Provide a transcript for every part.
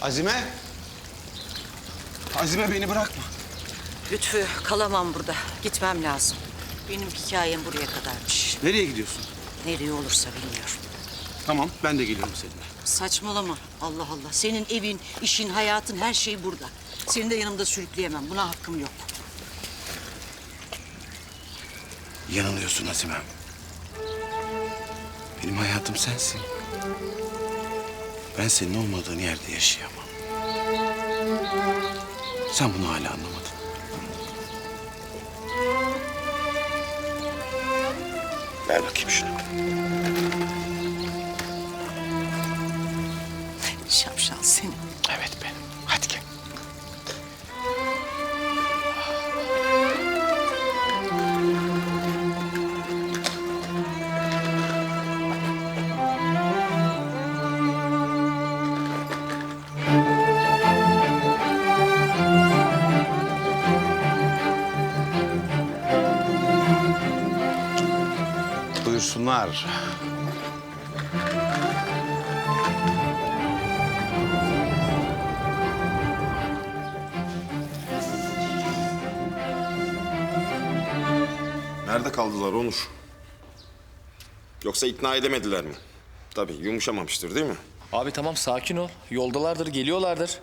Azime. Azime beni bırakma. Lütfü, kalamam burada. Gitmem lazım. Benim hikayem buraya kadarmış. Nereye gidiyorsun? Nereye olursa bilmiyorum. Tamam, ben de geliyorum seninle. Saçmalama. Allah Allah. Senin evin, işin, hayatın, her şey burada. Seni de yanımda sürükleyemem. Buna hakkım yok. Yanılıyorsun Azime. Benim hayatım sensin. Ben senin olmadığın yerde yaşayamam. Sen bunu hala anlamadın. Ver bakayım şunu. Şapşal seni. Evet benim. Hadi gel. Buyursunlar. Nerede kaldılar Onur? Yoksa ikna edemediler mi? Tabii yumuşamamıştır değil mi? Abi tamam sakin ol. Yoldalardır, geliyorlardır.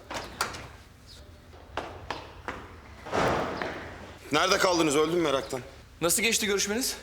Nerede kaldınız? Öldüm meraktan. Nasıl geçti görüşmeniz?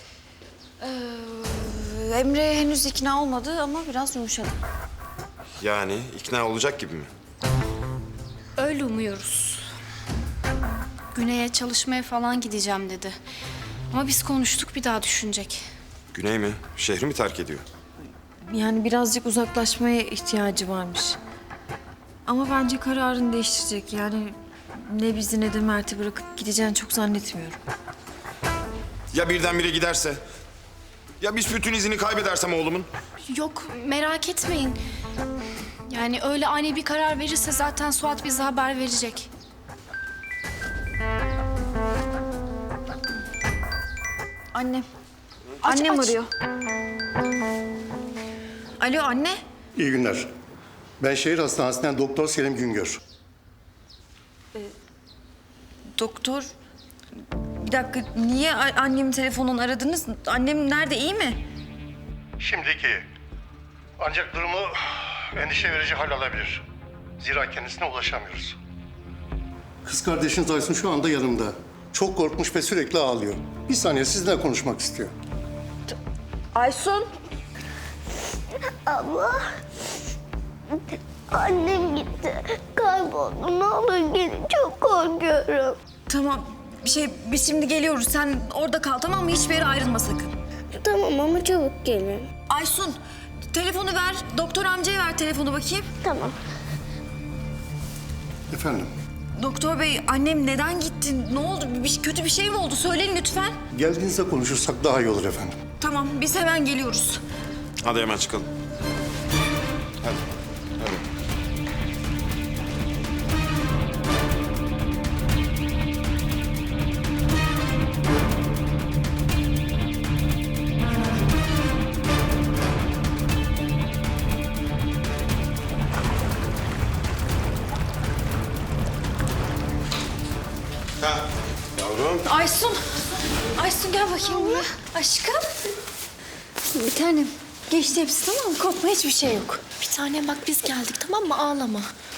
Emre henüz ikna olmadı ama biraz yumuşadı. Yani ikna olacak gibi mi? Öyle umuyoruz. Güney'e çalışmaya falan gideceğim dedi. Ama biz konuştuk, bir daha düşünecek. Güney mi? Şehri mi terk ediyor? Yani birazcık uzaklaşmaya ihtiyacı varmış. Ama bence kararını değiştirecek. Yani ne bizi ne de Mert'i bırakıp gideceğini çok zannetmiyorum. Ya birdenbire giderse? Ya biz bütün izini kaybedersem oğlumun? Yok, merak etmeyin. Yani öyle ani bir karar verirse zaten Suat bize haber verecek. Annem. Annem aç. arıyor. Alo anne. İyi günler. Ben şehir hastanesinden Doktor Selim Güngör. Doktor. Bir dakika niye annemin telefonundan aradınız? Annem nerede, iyi mi? Şimdiki. Ancak durumu endişe verici hal alabilir. Zira kendisine ulaşamıyoruz. Kız kardeşiniz Aysun şu anda yanımda. Çok korkmuş ve sürekli ağlıyor. Bir saniye sizinle konuşmak istiyor. Aysun. Abla. Annem gitti. Kayboldu. Ne olur gelin. Çok korkuyorum. Tamam. Biz şimdi geliyoruz. Sen orada kal, tamam mı? Hiçbir yere ayrılma sakın. Tamam ama çabuk gelin. Aysun, telefonu ver. Doktor amcaya ver telefonu bakayım. Tamam. Efendim, Doktor bey, annem neden gitti? Ne oldu? Kötü bir şey mi oldu? Söyleyin lütfen. geldiğinizde konuşursak daha iyi olur efendim. Tamam, biz hemen geliyoruz. Hadi hemen çıkalım. Hadi. Hadi. Ha, yavrum. Aysun. Aysun gel bakayım buraya. Aşkım. Bir tanem. Geçti hepsi, tamam mı? Korkma, hiçbir şey yok. Bir tanem bak biz geldik, tamam mı? Ağlama.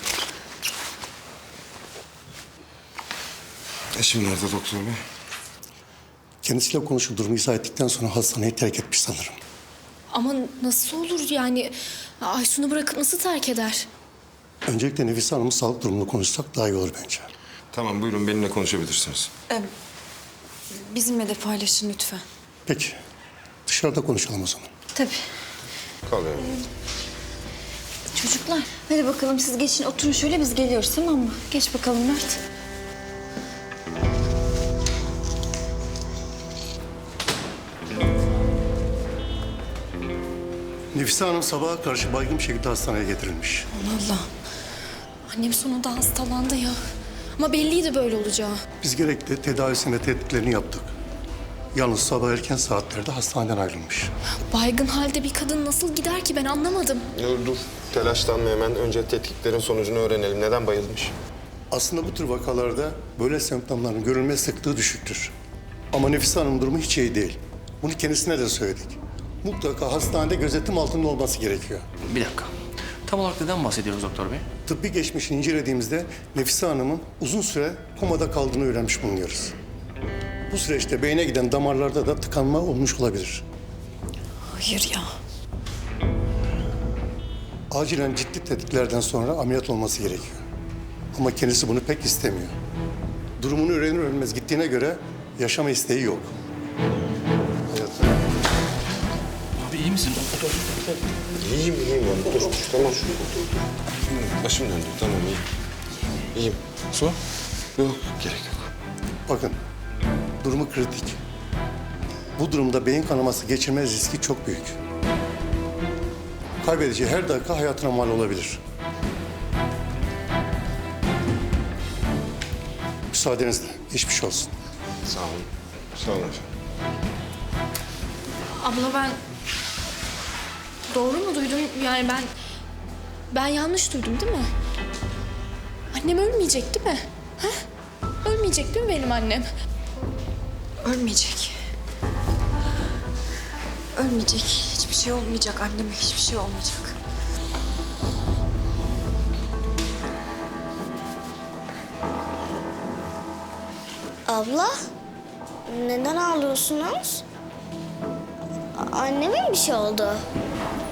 Eşim nerede doktor bey? Kendisiyle konuşup durumu izah ettikten sonra hastaneyi terk etmiş sanırım. Ama nasıl olur yani? Aysun'u bırakıp nasıl terk eder? Öncelikle Nefise Hanım'ın sağlık durumunu konuşsak daha iyi olur bence. Tamam buyurun benimle konuşabilirsiniz. Bizimle de paylaşın lütfen. Peki, dışarıda konuşalım o zaman. Tabii. Kal yavrum. Çocuklar, hadi bakalım siz geçin, oturun şöyle, biz geliyoruz, tamam mı? Geç bakalım Mert. Nefise Hanım sabaha karşı baygın bir şekilde hastaneye getirilmiş. Allah. Annem sonunda hastalandı ya. Ama belliydi böyle olacağı. Biz gerekli tedavisini ve tetkiklerini yaptık. Yalnız sabah erken saatlerde hastaneden ayrılmış. Baygın halde bir kadın nasıl gider ki ben anlamadım. Dur. Telaşlanma hemen. Önce tetkiklerin sonucunu öğrenelim. Neden bayılmış? Aslında bu tür vakalarda böyle semptomların görülme sıklığı düşüktür. Ama Nefise Hanım'ın durumu hiç iyi değil. Bunu kendisine de söyledik. Mutlaka hastanede gözetim altında olması gerekiyor. Bir dakika. Tam olarak neden bahsediyoruz doktor bey? Tıbbi geçmişini incelediğimizde Nefise Hanım'ın uzun süre komada kaldığını öğrenmiş bulunuyoruz. Bu süreçte beyne giden damarlarda da tıkanma olmuş olabilir. Hayır ya. Acilen ciddi tetkiklerden sonra ameliyat olması gerekiyor. Ama kendisi bunu pek istemiyor. Durumunu öğrenir öğrenmez gittiğine göre yaşama isteği yok. Abi iyi misin? İyiyim yani. Dur. Tamam. Başım döndü. Tamam iyiyim. İyiyim. Su? Yok. Gerek yok. Bakın, durumu kritik. Bu durumda beyin kanaması geçirme riski çok büyük. Kaybedeceği her dakika hayatına mal olabilir. Müsaadenizle, geçmiş olsun. Sağ olun. Sağ olun efendim. Abla ben doğru mu duydum? Yani ben yanlış duydum değil mi? Annem ölmeyecek değil mi? Ha? Ölmeyecek değil mi benim annem? Ölmeyecek. Ölmeyecek. Hiçbir şey olmayacak anneme. Hiçbir şey olmayacak. Abla, neden ağlıyorsunuz? Anneme mi bir şey oldu?